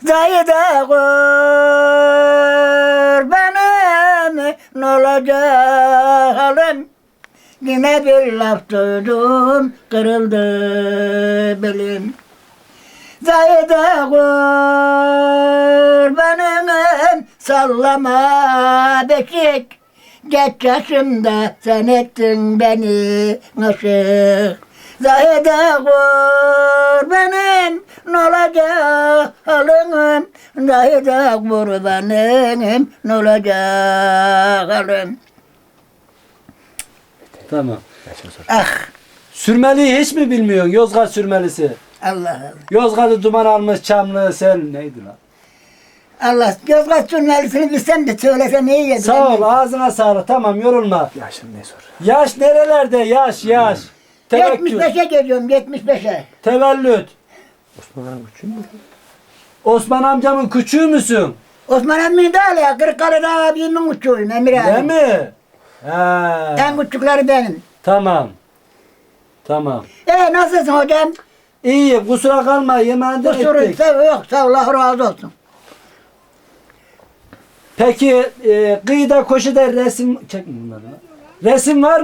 Zahide kurbanım ne olacak halim? Yine bir laf duydum kırıldı belim. Zahide kurbanım sallama beşik. Geç yaşımda sen ettin beni aşık. Zahide kurbanım ne olacak halim? Zahide kurbanım ne olacak halim? Tamam. Ah Sürmeliyi hiç mi bilmiyorsun? Yozgat sürmelisi. Allah Allah. Yozgat'ı duman almış Çamlı sen neydi lan? Allah Yozgat Sürmelisi'ni bilsem de söylesem iyi yedim. Sağ ol ağzına sağlık tamam yorulma. Yaşın ne sor? Yaş nerelerde yaş? Tevekkül. 75'e geliyorum 75'e. Tevellüt. Osman Hanım küçük mü? Osman amcamın küçüğü müsün? Osman emmi de hala Kırıkkale'de abimin uçuyum Emir abi. Değil mi? Ha. En küçükleri benim. Tamam. Tamam. Nasılsın hocam? İyi kusura kalma yemeğinden Kusuru ettik. yok sağ ol, Allah razı olsun. Peki kıyıda koşuda resim çekme bunları. Resim var mı?